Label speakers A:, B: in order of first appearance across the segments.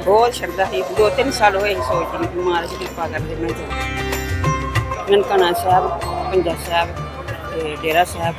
A: ਬਹੁਤ ਸ਼ਰਧਾ ਸੀ। 2-3 ਸਾਲ ਹੋਏ ਸੀ ਸੋਚਦੀ ਵੀ ਮਹਾਰਾਜ ਕਿਰਪਾ ਕਰਦੇ ਮੈਂ ਜਾਵਾਂ। ਨਨਕਾਣਾ ਸਾਹਿਬ, ਪੰਜਾ ਸਾਹਿਬ ਤੇ ਡੇਰਾ ਸਾਹਿਬ।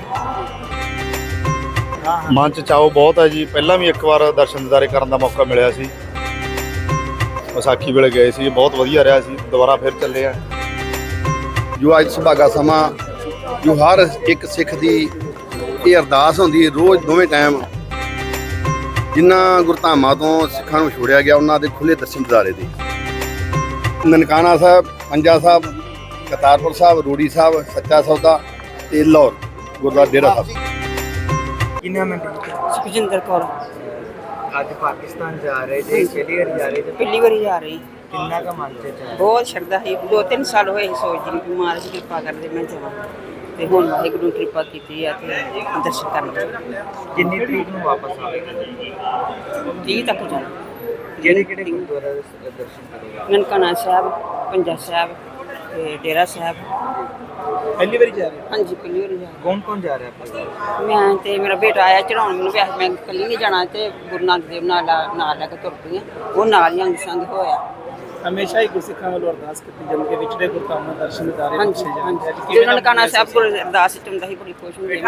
B: ਮਨ 'ਚ ਚਾਓ ਬਹੁਤ ਹੈ ਜੀ। ਪਹਿਲਾਂ ਵੀ ਇੱਕ ਵਾਰ ਦਰਸ਼ਨ ਦਿਦਾਰੇ ਕਰਨ ਦਾ ਮੌਕਾ ਮਿਲਿਆ ਸੀ, ਵਿਸਾਖੀ ਵੇਲੇ ਗਏ ਸੀ, ਬਹੁਤ ਵਧੀਆ ਰਿਹਾ ਸੀ। ਦੁਬਾਰਾ ਫਿਰ ਚੱਲੇ ਆ।
C: ਜੋ ਅੱਜ ਸੁਭਾਗਾ ਸਮਾਂ ਜੋ ਹਰ ਇੱਕ ਸਿੱਖ ਦੀ ਇਹ ਅਰਦਾਸ ਹੁੰਦੀ ਹੈ ਰੋਜ਼ ਦੋਵੇਂ ਟਾਈਮ, ਜਿਨ੍ਹਾਂ ਗੁਰਧਾਮਾਂ ਤੋਂ ਸਿੱਖਾਂ ਨੂੰ ਛੋੜਿਆ ਗਿਆ ਉਹਨਾਂ ਦੇ ਖੁੱਲ੍ਹੇ ਦਰਸ਼ਨ ਦਿਦਾਰੇ ਦੇ। ਨਨਕਾਣਾ ਸਾਹਿਬ, ਪੰਜਾ ਸਾਹਿਬ, ਕਰਤਾਰਪੁਰ ਸਾਹਿਬ, ਰੂੜੀ ਸਾਹਿਬ, ਸੱਚਾ ਸੌਦਾ ਤੇ ਲਾਹੌਰ ਗੁਰਦੁਆਰਾ ਡੇਰਾ ਸਾਹਿਬ।
D: ਕਿੰਨਾ ਮਿੰਟ
A: ਸੁਖਜਿੰਦਰ ਕੌਰ।
D: ਅੱਜ ਪਾਕਿਸਤਾਨ ਜਾ ਰਹੇ ਜੇ, ਪਹਿਲੀ ਵਾਰ ਜਾ ਰਹੇ ਜੇ,
A: ਪਹਿਲੀ ਵਾਰੀ ਜਾ ਰਹੀ।
D: ਕਿੰਨਾ ਕੁ ਮਨ ਚ ਹੈ?
A: ਬਹੁਤ ਸ਼ਰਧਾ ਸੀ। 2-3 ਸਾਲ ਹੋਏ ਸੀ ਸੋਚਦੀ ਵੀ ਮਹਾਰਾਜ ਕਿਰਪਾ ਕਰਦੇ ਮੈਂ ਜਾਵਾਂ। ਤੇ ਹੁਣ ਵਾਹਿਗੁਰੂ ਨੇ ਕਿਰਪਾ ਕੀਤੀ ਆ ਤੇ ਦਰਸ਼ਨ ਕਰਨ।
D: ਕਿੰਨੀ ਤਰੀਕ ਨੂੰ ਵਾਪਸ ਆਵੇਗਾ?
A: 30 ਤੱਕ ਜਾਣਾ।
D: ਕਿਹੜੇ ਕਿਹੜੇ ਗੁਰਦੁਆਰਾ ਦੇ ਦਰਸ਼ਨ ਕਰੇਗਾ?
A: ਨਨਕਾਣਾ ਸਾਹਿਬ, ਪੰਜਾ ਸਾਹਿਬ ਤੇ ਡੇਰਾ ਸਾਹਿਬ।
D: ਪਹਿਲੀ ਵਾਰੀ ਜਾ ਰਹੇ?
A: ਹਾਂਜੀ, ਪਹਿਲੀ ਵਾਰੀ ਜਾ ਰਹੀ।
D: ਕੌਣ ਕੌਣ ਜਾ ਰਿਹਾ ਪਰਿਵਾਰ?
A: ਮੈਂ ਤੇ ਮੇਰਾ ਬੇਟਾ ਆਇਆ ਚੜਾਉਣ। ਮੈਨੂੰ ਵੈਸੇ ਮੈਂ ਇਕੱਲੀ ਨਹੀਂ ਜਾਣਾ ਤੇ ਗੁਰੂ ਨਾਨਕ ਦੇਵ ਨਾਲ ਲੈ ਕੇ ਤੁਰ ਪਈ ਹਾਂ। ਉਹ ਨਾਲ ਹੀ ਅੰਗ ਸੰਗ ਹੋਇਆ।
E: ਹਮੇਸ਼ਾ ਹੀ ਗੁਰਸਿੱਖਾਂ ਵੱਲੋਂ ਅਰਦਾਸ ਕੀਤੀ ਜਾਂਦੀ ਹੈ ਵਿਛੜੇ ਗੁਰਧਾਮਾਂ ਦਰਸ਼ਨ ਦਿਦਾਰੇ
A: ਹਾਂਜੀ
E: ਬਖਸ਼ੇ
A: ਹਾਂਜੀ।
E: ਜਾਂਦੇ।
A: ਜਦੋਂ ਨਨਕਾਣਾ ਸਾਹਿਬ ਕੋਲ ਅਰਦਾਸ ਵਿੱਚ ਹੁੰਦਾ ਸੀ, ਬੜੀ ਖੁਸ਼ ਹੁੰਦੀ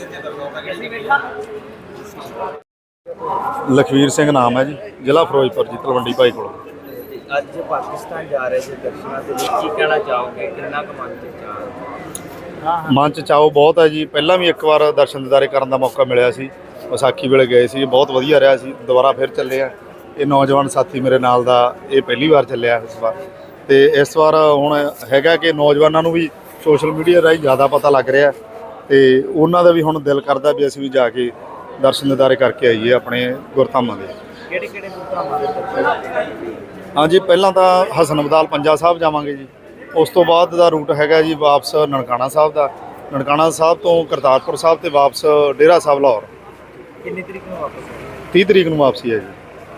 B: ਲਖਵੀਰ ਸਿੰਘ ਨਾਮ ਹੈ ਜੀ, ਜ਼ਿਲ੍ਹਾ ਫਿਰੋਜ਼ਪੁਰ ਜੀ, ਤਲਵੰਡੀ ਭਾਈ ਕੋਲ।
D: ਅੱਜ ਪਾਕਿਸਤਾਨ ਜਾ ਰਹੇ ਜੇ ਦਰਸ਼ਨਾਂ ਦੇ ਲਈ, ਕੀ ਕਹਿਣਾ ਚਾਹੋਗੇ? ਕਿੰਨਾ ਕੁ ਮਨ ਚ ਚਾਹ?
B: ਮਨ 'ਚ ਚਾਓ ਬਹੁਤ ਹੈ ਜੀ। ਪਹਿਲਾਂ ਵੀ ਇੱਕ ਵਾਰ ਦਰਸ਼ਨ ਦਿਦਾਰੇ ਕਰਨ ਦਾ ਮੌਕਾ ਮਿਲਿਆ ਸੀ, ਵਿਸਾਖੀ ਵੇਲੇ ਗਏ ਸੀ, ਬਹੁਤ ਵਧੀਆ ਰਿਹਾ ਸੀ। ਦੁਬਾਰਾ ਫਿਰ ਚੱਲੇ ਆ। ਇਹ ਨੌਜਵਾਨ ਸਾਥੀ ਮੇਰੇ ਨਾਲ ਦਾ ਇਹ ਪਹਿਲੀ ਵਾਰ ਚੱਲਿਆ ਇਸ ਵਾਰ। ਤੇ ਇਸ ਵਾਰ ਹੁਣ ਹੈਗਾ ਕਿ ਨੌਜਵਾਨਾਂ ਨੂੰ ਵੀ ਸੋਸ਼ਲ ਮੀਡੀਆ ਰਾਹੀਂ ਜ਼ਿਆਦਾ ਪਤਾ ਲੱਗ ਰਿਹਾ ਤੇ ਉਹਨਾਂ ਦਾ ਵੀ ਹੁਣ ਦਿਲ ਕਰਦਾ ਵੀ ਅਸੀਂ ਵੀ ਜਾ ਕੇ ਦਰਸ਼ਨ ਦਿਦਾਰੇ ਕਰਕੇ ਆਈਏ ਆਪਣੇ ਗੁਰਧਾਮਾਂ ਦੇ।
D: ਕਿਹੜੇ ਕਿਹੜੇ ਗੁਰਧਾਮਾਂ ਦੇ ਦਰਸ਼ਨ?
B: ਹਾਂਜੀ, ਪਹਿਲਾਂ ਤਾਂ ਹਸਨ ਅਬਦਾਲ ਪੰਜਾ ਸਾਹਿਬ ਜਾਵਾਂਗੇ ਜੀ। ਉਸ ਤੋਂ ਬਾਅਦ ਦਾ ਰੂਟ ਹੈਗਾ ਜੀ ਵਾਪਸ ਨਨਕਾਣਾ ਸਾਹਿਬ ਦਾ। ਨਨਕਾਣਾ ਸਾਹਿਬ ਤੋਂ ਕਰਤਾਰਪੁਰ ਸਾਹਿਬ ਤੇ ਵਾਪਸ ਡੇਰਾ ਸਾਹਿਬ ਲਾਹੌਰ।
D: ਕਿੰਨੀ ਤਰੀਕ ਨੂੰ ਵਾਪਸ?
B: 30 ਤਰੀਕ ਨੂੰ ਵਾਪਸੀ ਹੈ ਜੀ।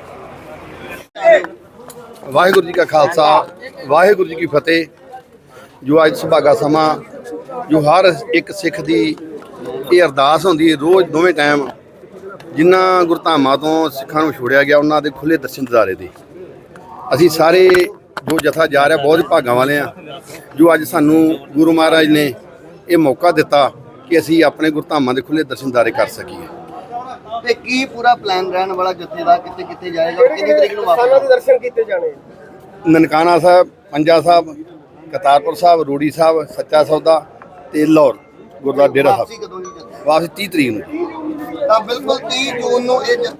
C: ਵਾਹਿਗੁਰੂ ਜੀ ਕਾ ਖਾਲਸਾ, ਵਾਹਿਗੁਰੂ ਜੀ ਕੀ ਫਤਿਹ। ਜੋ ਅੱਜ ਸੁਭਾਗਾ ਸਮਾਂ ਜੋ ਹਰ ਇੱਕ ਸਿੱਖ ਦੀ ਇਹ ਅਰਦਾਸ ਹੁੰਦੀ ਹੈ ਰੋਜ਼ ਦੋਵੇਂ ਟਾਈਮ, ਜਿਨ੍ਹਾਂ ਗੁਰਧਾਮਾਂ ਤੋਂ ਸਿੱਖਾਂ ਨੂੰ ਛੋੜਿਆ ਗਿਆ ਉਹਨਾਂ ਦੇ ਖੁੱਲ੍ਹੇ ਦਰਸ਼ਨ ਦਿਦਾਰੇ ਦੇ। ਅਸੀਂ ਸਾਰੇ ਜੋ ਜਥਾ ਜਾ ਰਿਹਾ ਬਹੁਤ ਭਾਗਾਂ ਵਾਲੇ ਆ ਜੋ ਅੱਜ ਸਾਨੂੰ ਗੁਰੂ ਮਹਾਰਾਜ ਨੇ ਇਹ ਮੌਕਾ ਦਿੱਤਾ ਕਿ ਅਸੀਂ ਆਪਣੇ ਗੁਰਧਾਮਾਂ ਦੇ ਖੁੱਲ੍ਹੇ ਦਰਸ਼ਨ ਦਿਦਾਰੇ ਕਰ ਸਕੀਏ।
F: ਤੇ ਕੀ ਪੂਰਾ ਪਲਾਨ ਰਹਿਣ ਵਾਲਾ ਜੱਥੇ ਦਾ, ਕਿੱਥੇ ਕਿੱਥੇ ਜਾਏਗਾ, ਕਿੰਨੀ ਤਰੀਕ ਨੂੰ ਵਾਪਸ?
E: ਦਰਸ਼ਨ ਕੀਤੇ ਜਾਣੇ?
C: ਨਨਕਾਣਾ ਸਾਹਿਬ, ਪੰਜਾ ਸਾਹਿਬ, ਕਰਤਾਰਪੁਰ ਸਾਹਿਬ, ਰੂੜੀ ਸਾਹਿਬ, ਸੱਚਾ ਸੌਦਾ ਤੇ ਲਾਹੌਰ ਗੁਰਦੁਆਰਾ ਡੇਰਾ
F: ਵਾਪਸੀ
C: ਸਾਹਿਬ।
F: ਕਦੋਂ ਦੀ ਜੱਥੇ?
C: ਵਾਪਸ 30 ਤਰੀਕ ਨੂੰ।
F: ਤਾਂ ਬਿਲਕੁਲ 30 ਜੂਨ ਨੂੰ ਇਹ